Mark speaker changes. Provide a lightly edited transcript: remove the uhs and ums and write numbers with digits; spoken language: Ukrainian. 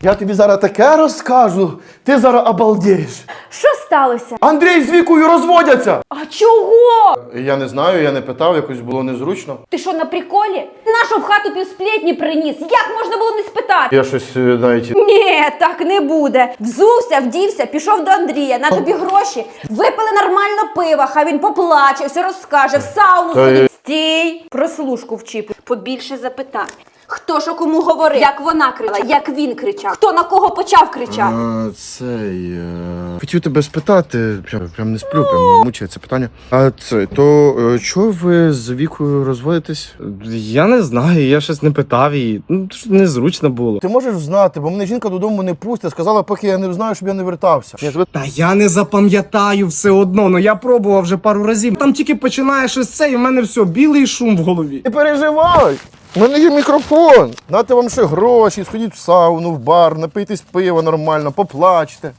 Speaker 1: Я тобі зараз таке розкажу, ти зараз обалдієш.
Speaker 2: Що сталося?
Speaker 1: Андрій з Вікою розводяться!
Speaker 2: А чого?
Speaker 1: Я не знаю, я не питав, якось було незручно.
Speaker 2: Ти що, на приколі? Нашу в хату півсплетні приніс. Як можна було не спитати?
Speaker 1: Я щось навіть...
Speaker 2: Ні, так не буде. Взувся, вдівся, пішов до Андрія, на тобі гроші. Випили нормально пива, хай він поплаче, все розкаже, в сауну сходить. Стій, прослушку вчіп. Побільше запитань. Хто ж кому говорив, як вона кричала, як він кричав, хто на кого почав кричати.
Speaker 1: Хотів тебе спитати, прям не сплю, прям мучає це питання. Чого ви з Вікою розводитесь?
Speaker 3: Я не знаю, я щось не питав її. Незручно було.
Speaker 1: Ти можеш знати, бо мене жінка додому не пустить, сказала, поки я не знаю, щоб я не вертався.
Speaker 3: Та я не запам'ятаю все одно, я пробував вже пару разів. Там тільки починає щось це, і в мене все, білий шум в голові.
Speaker 1: Не переживай! У мене є мікрофон. Дати вам ще гроші, сходіть в сауну, в бар, напийтесь пива нормально, поплачте.